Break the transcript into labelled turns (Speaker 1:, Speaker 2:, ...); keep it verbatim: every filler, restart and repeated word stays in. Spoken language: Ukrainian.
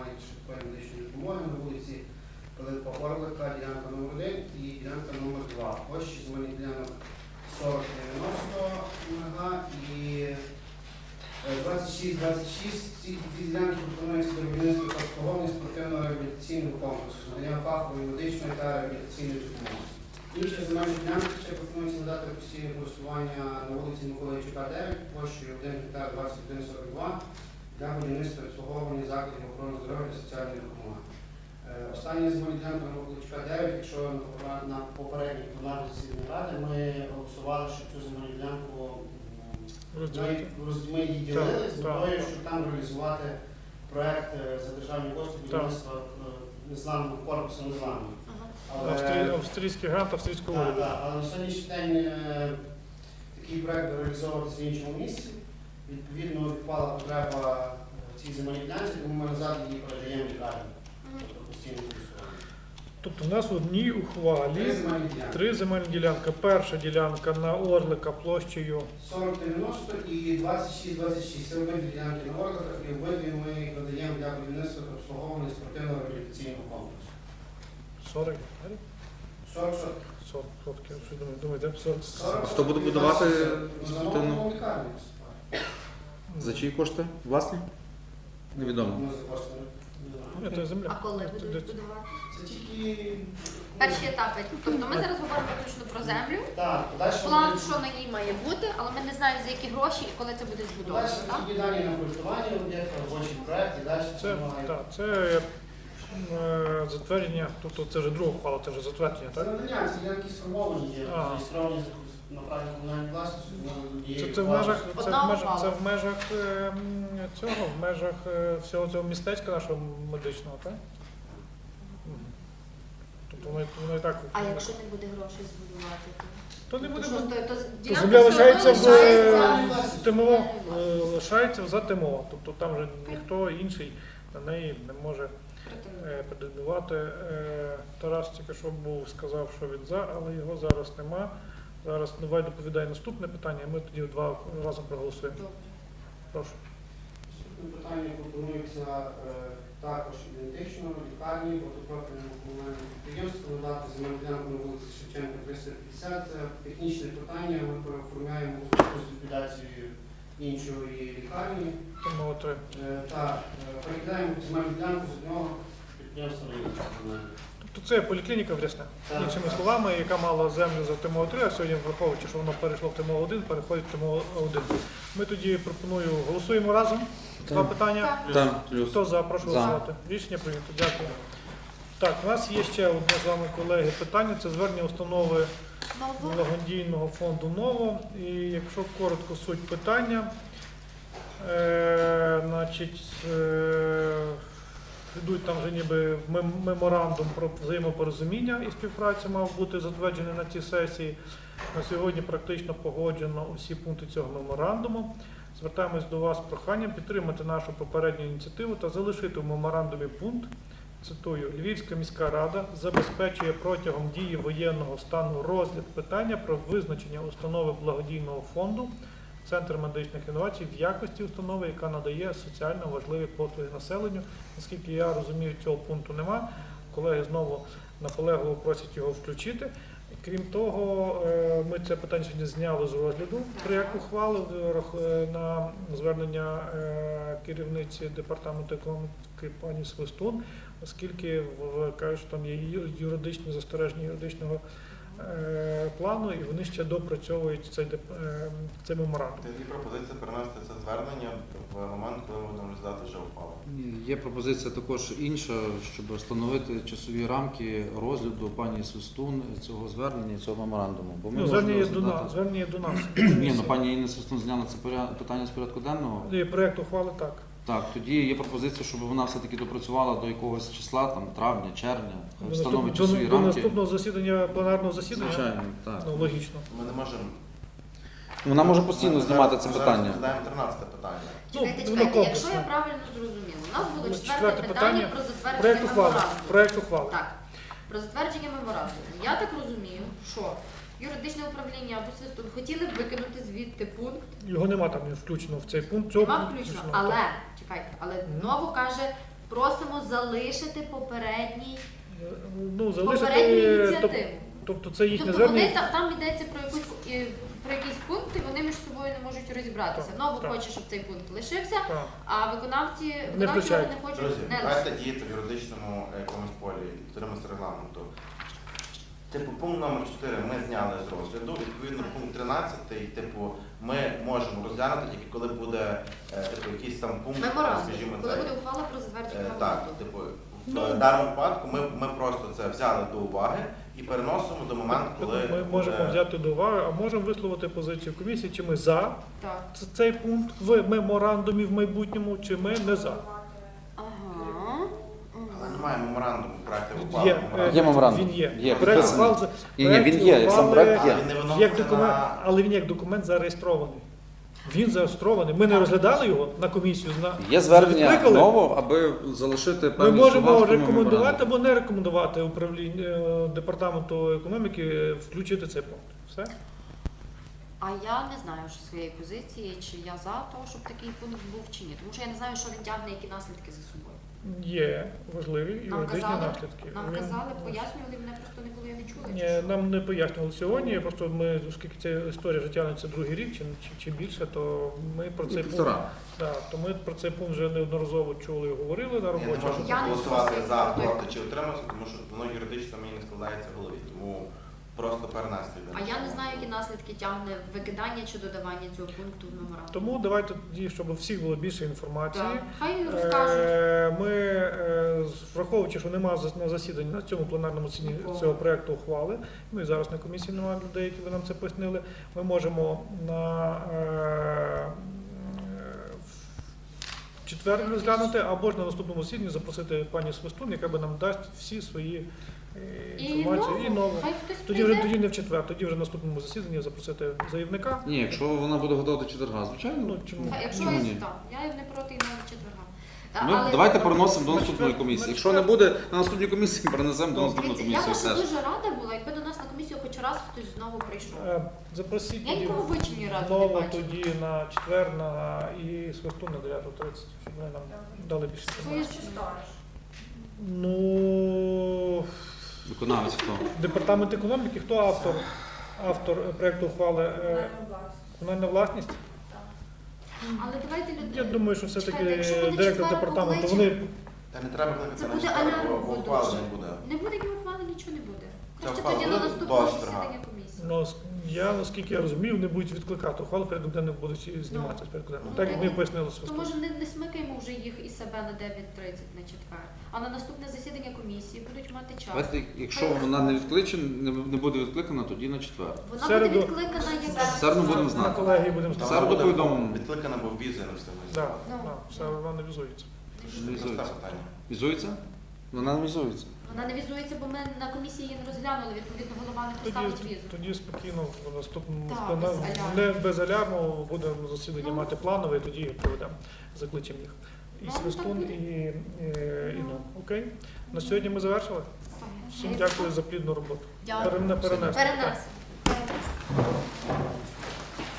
Speaker 1: надання швидкої медичної допомоги на вулиці Пилипа Орлика, ділянка номер один і ділянка номер два. Площі земельних ділянок сорок дев'яносто га і двадцять шість двадцять шість. Ці ділянки пропонуються до будівництва та обслуговування спортивного реабілітаційного комплексу з надання фахової медичної та реабілітаційної допомоги. Інші земельні ділянки ще пропонується надати постійне користування на вулиці Миколи Чука, дев'ять, площею один гектар двадцять один сорок два для будівництва і обслуговування закладів охорони здоров'я та соціальної допомоги. Остання земельна ділянка на Миколи Чука, дев'ять, якщо на попередній пленарній засіданні ради ми голосували, що цю земельну ділянку ми її ділили з метою, щоб там реалізувати проєкт за державні кошти будівництва незламного корпусу незламного.
Speaker 2: Але... Австрійський грант, австрійського уряду.
Speaker 1: Так, але на сьогоднішній день е, такий проєкт реалізовуватися в іншому місці. Відповідно, відпала потреба в цій земельній ділянці, тому ми назад її передаємо лікарні. Тобто постійно користування.
Speaker 2: Тобто у нас в одній ухвалі
Speaker 1: Три земельні ділянки.
Speaker 2: Три земельні ділянки. Перша ділянка на Орлика площею
Speaker 1: сорок дев'яносто і двадцять шість двадцять шість. Це обидві ділянки на Орликах і обидві ми надаємо для будівництва та обслуговування спортивного реабілітаційного комплексу.
Speaker 2: сорок гектарів?
Speaker 1: сорок сорок.
Speaker 2: сорок сотки. Що думаю, думаєте, сорок?
Speaker 3: Хто буде будувати спортивну?
Speaker 1: лікарню?
Speaker 3: За чиї кошти? Власні? Невідомо.
Speaker 1: Ми за кошти не
Speaker 2: Ні, це земля.
Speaker 4: А коли будуть будувати?
Speaker 1: Це тільки...
Speaker 4: Перші етапи. Тобто ми зараз говоримо виключно про землю.
Speaker 1: Так, подальше...
Speaker 4: План, що на ній має бути, але ми не знаємо, за які гроші і коли це буде збудовано.
Speaker 1: Далі
Speaker 4: так?
Speaker 1: такі дані на проєктування об'єкта, робочий проєкт і далі
Speaker 2: Це,
Speaker 1: має...
Speaker 2: так, це е, затвердження, тобто це вже друга ухвала, це вже затвердження,
Speaker 1: Це
Speaker 2: так?
Speaker 1: надання, це ділянки сформовані є,
Speaker 2: Ага.
Speaker 1: зареєстровані на праві комунальної власності.
Speaker 2: Це, це в межах, це
Speaker 4: Одна
Speaker 2: в межах,
Speaker 4: ухвала.
Speaker 2: це в межах е, м, цього, в межах е, всього цього містечка нашого медичного, так? Мгм. Тобто воно, воно і так.
Speaker 4: А якщо не буде грошей збудувати, то,
Speaker 2: То не буде.
Speaker 4: то, що, то, то,
Speaker 2: То
Speaker 4: ділянка
Speaker 2: земля
Speaker 4: все одно
Speaker 2: лишається в,
Speaker 4: лишається
Speaker 2: в ТМО,
Speaker 4: в-
Speaker 2: е, лишається за ТМО. Тобто там вже ніхто інший на неї не може е, претендувати. Е, Тарас тільки що був, сказав, що він за, але його зараз нема. Зараз давай доповідає наступне питання, ми тоді два разом проголосуємо.
Speaker 4: Добре.
Speaker 2: Прошу.
Speaker 1: Наступне питання пропонується е, також ідентично лікарні, багатопрофільному комунальному підприємству надати земельну ділянку на вулиці Шевченка триста п'ятдесят. Це технічне питання, ми переоформляємо у зв'язку з ліквідацією іншої лікарні.
Speaker 2: ТМО три.
Speaker 1: Е, Так, е, перекидаємо земельну ділянку з одного підприємства на інше комунальне.
Speaker 2: Тобто це поліклініка в Рясне.
Speaker 1: Так,
Speaker 2: Іншими
Speaker 1: так.
Speaker 2: словами, яка мала землю за ТМО три, а сьогодні, враховуючи, що воно перейшло в ТМО один, переходить в ТМО один. Ми тоді пропоную, голосуємо разом. Два питання.
Speaker 3: Так, плюс.
Speaker 2: Хто за? Прошу
Speaker 3: За.
Speaker 2: голосувати. Рішення прийнято. Дякую. Так, у нас є ще одне з вами, колеги, питання. Це звернення установи
Speaker 4: Ново.
Speaker 2: благодійного фонду «Ново». І якщо коротко суть питання, е, значить, е, йдуть там вже ніби мем- меморандум про взаємопорозуміння і співпраця мав бути затверджений на цій сесії. На сьогодні практично погоджено усі пункти цього меморандуму. Звертаємось до вас з проханням підтримати нашу попередню ініціативу та залишити в меморандумі пункт, цитую, Львівська міська рада забезпечує протягом дії воєнного стану розгляд питання про визначення установи благодійного фонду Центр медичних інновацій в якості установи, яка надає соціально важливі послуги населенню. Наскільки я розумію, цього пункту нема. Колеги знову наполегливо просять його включити. Крім того, е, ми це питання сьогодні зняли з розгляду проєкт ухвали е, рах- е, на звернення е, керівниці департаменту економіки пані Свистун, оскільки в- кажуть, що там є ю- юридичні застереження юридичного е, плану, і вони ще допрацьовують цей, деп- е, цей меморандум.
Speaker 5: Тоді пропозиція перенести це звернення в момент, коли ми будемо розглядати вже ухвалу.
Speaker 3: Є пропозиція також інша, щоб встановити часові рамки розгляду пані Свистун цього звернення, цього меморандуму. Бо ми
Speaker 2: Ну,
Speaker 3: можемо
Speaker 2: звернення є до
Speaker 3: розглядати-
Speaker 2: нас. Звернення є до нас.
Speaker 3: Ні, ну пані Інна Свистун зняла це поря- питання з порядку денного.
Speaker 2: І проєкт ухвали так.
Speaker 3: Так, тоді є пропозиція, щоб вона все-таки допрацювала до якогось числа, там травня, червня,
Speaker 2: До,
Speaker 3: встановить
Speaker 2: наступ- до,
Speaker 3: часові
Speaker 2: до
Speaker 3: рамки.
Speaker 2: наступного засідання, пленарного засідання.
Speaker 3: Звичайно, так.
Speaker 2: Ну, логічно.
Speaker 5: Ми не можемо.
Speaker 3: Вона може постійно
Speaker 5: Ми
Speaker 3: знімати
Speaker 5: зараз-
Speaker 3: це
Speaker 5: ми зараз
Speaker 3: питання.
Speaker 5: розглядаємо тринадцяте питання.
Speaker 4: Чекайте,
Speaker 2: воно
Speaker 4: чекайте, якщо
Speaker 2: комплексно.
Speaker 4: я правильно зрозуміла, у нас було
Speaker 2: Ну,
Speaker 4: четверте
Speaker 2: четверте
Speaker 4: питання
Speaker 2: питання.
Speaker 4: про затвердження
Speaker 2: Проєкт ухвали.
Speaker 4: меморандуму.
Speaker 2: Проєкт ухвали.
Speaker 4: Так, про затвердження меморандуму. Я так розумію, що юридичне управління або свистун хотіли б викинути звідти пункт,
Speaker 2: Його нема там не включено в цей пункт. Цього
Speaker 4: нема
Speaker 2: пункту
Speaker 4: включено,
Speaker 2: включено,
Speaker 4: але,
Speaker 2: так.
Speaker 4: чекайте, але
Speaker 2: Мгм.
Speaker 4: Ново каже, Просимо залишити попередній
Speaker 2: Ну,
Speaker 4: попередню
Speaker 2: залишити, тоб-
Speaker 4: ініціативу.
Speaker 2: тобто це їхнє
Speaker 4: Тобто вони
Speaker 2: звернення.
Speaker 4: там, там йдеться про якусь і- про якісь пункти, вони між собою не можуть розібратися.
Speaker 2: Так,
Speaker 4: Нову
Speaker 2: так.
Speaker 4: хоче, щоб цей пункт лишився,
Speaker 2: Так.
Speaker 4: а виконавці виконавчі
Speaker 2: включають.
Speaker 4: органи хочуть
Speaker 5: Друзі,
Speaker 4: не
Speaker 5: давайте
Speaker 4: лишити.
Speaker 5: діяти в юридичному е, якомусь полі, підтримуємося регламенту. Типу, пункт номер чотири ми зняли з розгляду. Відповідно, пункт тринадцятий, типу, ми можемо розглянути тільки коли буде е, типу, якийсь там пункт,
Speaker 4: Меморандум,
Speaker 5: скажімо,
Speaker 4: коли
Speaker 5: цей.
Speaker 4: буде ухвала про затвердження
Speaker 5: Е, Так,
Speaker 4: меморандуму.
Speaker 5: типу, в
Speaker 2: Ну.
Speaker 5: даному випадку ми, ми просто це взяли до уваги і переносимо до моменту, коли
Speaker 2: Ми можемо
Speaker 5: буде-
Speaker 2: взяти до уваги, а можемо висловити позицію комісії, чи ми за
Speaker 4: Так.
Speaker 2: ц- цей пункт в меморандумі в майбутньому, чи ми не за.
Speaker 4: Ага.
Speaker 5: Але немає меморандуму, проекту ухвали.
Speaker 2: Є,
Speaker 5: меморандуму.
Speaker 3: Є меморандум.
Speaker 2: Він є.
Speaker 3: Є,
Speaker 2: Проект
Speaker 3: підписаний.
Speaker 2: ухвали-
Speaker 3: Ні, ні, він
Speaker 2: проект
Speaker 3: є, сам
Speaker 2: ухвали
Speaker 3: проект є.
Speaker 5: Але він не
Speaker 2: як
Speaker 5: виноситься
Speaker 2: документ,
Speaker 5: на...
Speaker 2: але він як документ зареєстрований. Він зареєстрований. Ми не розглядали його на комісію. на-
Speaker 3: Є звернення
Speaker 2: Відкликали.
Speaker 3: ново, аби залишити
Speaker 2: Ми
Speaker 3: певні
Speaker 2: можемо
Speaker 3: слова в тому
Speaker 2: рекомендувати
Speaker 3: меморандумі.
Speaker 2: або не рекомендувати управління е, департаменту економіки е, включити цей пункт. Все?
Speaker 4: А я не знаю що своєї позиції, чи я за те, щоб такий пункт був чи ні. Тому що я не знаю, що він тягне, які наслідки за собою.
Speaker 2: Є важливі
Speaker 4: Нам
Speaker 2: юридичні
Speaker 4: казали,
Speaker 2: наслідки.
Speaker 4: нам
Speaker 2: Він-
Speaker 4: казали, пояснювали, мене просто не було, я не чула. чи
Speaker 2: Ні,
Speaker 4: що.
Speaker 2: нам не пояснювали сьогодні. Просто ми, оскільки ця історія вже тягнеться другий рік чи, чи, чи більше, то ми про цей пункт,
Speaker 3: Півтора.
Speaker 2: да, то ми про цей пункт вже неодноразово чули і говорили на
Speaker 5: Я не
Speaker 2: роботі.
Speaker 5: можу
Speaker 4: Я не
Speaker 5: голосувати
Speaker 4: можу
Speaker 5: за,
Speaker 4: сказати.
Speaker 5: проти чи утриматися, тому що воно юридично мені не складається в голові. Тому просто перенести.
Speaker 4: А я не знаю, які наслідки тягне викидання чи додавання цього пункту в меморандум.
Speaker 2: Тому давайте тоді, щоб у всіх було більше інформації.
Speaker 4: Так. Хай розкажуть.
Speaker 2: Е, Ми, е, з- враховуючи, що немає зас- на засіданні на цьому пленарному засіданні
Speaker 4: Нікого.
Speaker 2: цього проекту ухвали, ну і зараз на комісії немає людей, які ви нам це пояснили, ми можемо на е, в четвер розглянути, або ж на наступному засіданні запросити пані Свистун, яка би нам дасть всі свої е,
Speaker 4: І
Speaker 2: інформації. І
Speaker 4: нову.
Speaker 2: нову.
Speaker 4: Хай хтось
Speaker 2: Тоді вже
Speaker 4: прийде.
Speaker 2: тоді не в четвер, тоді вже на наступному засіданні запросити заявника.
Speaker 3: Ні, якщо вона буде готова до четверга, звичайно.
Speaker 2: Ну, чому?
Speaker 4: Та, Якщо
Speaker 3: Чому
Speaker 4: є
Speaker 3: ні?
Speaker 4: так, я не проти і навіть четверга. Та,
Speaker 3: Ми
Speaker 4: але-
Speaker 3: давайте переносимо до
Speaker 2: Ми
Speaker 3: наступної
Speaker 2: четвер-
Speaker 3: комісії.
Speaker 2: ми
Speaker 3: Якщо не
Speaker 2: четвер-
Speaker 3: буде на наступній комісії, перенесемо до
Speaker 2: Ну,
Speaker 3: наступної
Speaker 4: Дивіться, я
Speaker 3: комісії.
Speaker 4: просто
Speaker 3: Теж.
Speaker 4: дуже рада була, якби до нас на комісію хоч раз хтось знову прийшов.
Speaker 2: Е, Запросіть
Speaker 4: Я
Speaker 2: тоді
Speaker 4: нікого в очі ні разу не
Speaker 2: знову
Speaker 4: бачила.
Speaker 2: тоді на четвер на і свисту на дев'яту тридцять, щоб вони нам дали більше
Speaker 4: Своє
Speaker 2: інформації.
Speaker 4: читаєш.
Speaker 2: Ну,
Speaker 3: Виконавець хто?
Speaker 2: департамент економіки, хто автор? Автор е, проекту ухвали е, комунальна власність.
Speaker 4: Але давайте люди.
Speaker 2: Я думаю, що все-таки
Speaker 4: Чекайте, якщо буде
Speaker 2: директор
Speaker 4: четверо
Speaker 2: департаменту,
Speaker 4: покличемо,
Speaker 2: вони
Speaker 5: Та не треба кликати
Speaker 4: Це
Speaker 5: на
Speaker 4: буде
Speaker 5: четвер,
Speaker 4: алярм
Speaker 5: бо- бо
Speaker 4: буде
Speaker 5: ухвали
Speaker 4: вже.
Speaker 5: не буде.
Speaker 4: Не буде ні ухвали, нічого не буде.
Speaker 5: Це
Speaker 4: Краще
Speaker 5: ухвала
Speaker 4: тоді на
Speaker 5: буде
Speaker 4: наступного
Speaker 5: до четверга.
Speaker 4: засідання комісії.
Speaker 2: ну, с- я наскільки я розумію, не будуть відкликати ухвалу, порядок денний будуть і зніматися з порядку денного.
Speaker 4: Ну,
Speaker 2: Так як ми
Speaker 4: так.
Speaker 2: пояснили
Speaker 4: То
Speaker 2: свисту.
Speaker 4: може не, не смикаємо вже їх і себе на дев'ять тридцять на четвер, а на наступне засідання комісії будуть мати час.
Speaker 3: Давайте, якщо вона не відкличена, не не буде відкликана, тоді на четвер.
Speaker 4: Вона
Speaker 2: Середу-
Speaker 4: буде відкликана як
Speaker 3: В середу будемо
Speaker 2: На
Speaker 3: знати.
Speaker 2: колегії будемо
Speaker 5: Там
Speaker 3: Середу
Speaker 5: буде
Speaker 3: повідомимо.
Speaker 5: Відкликана, бо візи не встигли.
Speaker 2: Да,
Speaker 4: Ну.
Speaker 2: да, все вона візується.
Speaker 3: Візується.
Speaker 5: Просте питання.
Speaker 3: Візується? Вона не візується.
Speaker 4: Вона не візується, бо ми на комісії її не розглянули, відповідно голова не
Speaker 2: Тоді,
Speaker 4: поставить візу.
Speaker 2: тоді спокійно в наступному
Speaker 4: Так,
Speaker 2: склена-
Speaker 4: без алярму.
Speaker 2: не без алярму будемо засідання
Speaker 4: Ну.
Speaker 2: мати планове, і тоді проведемо, закличемо їх. І
Speaker 4: Ну,
Speaker 2: Свистун,
Speaker 4: так буде.
Speaker 2: і, і, і ну. Окей? На сьогодні ми завершили. Всім дякую за плідну роботу.
Speaker 4: Дякую.
Speaker 2: Перене- перенести.
Speaker 4: Перенесемо. Перенесемо.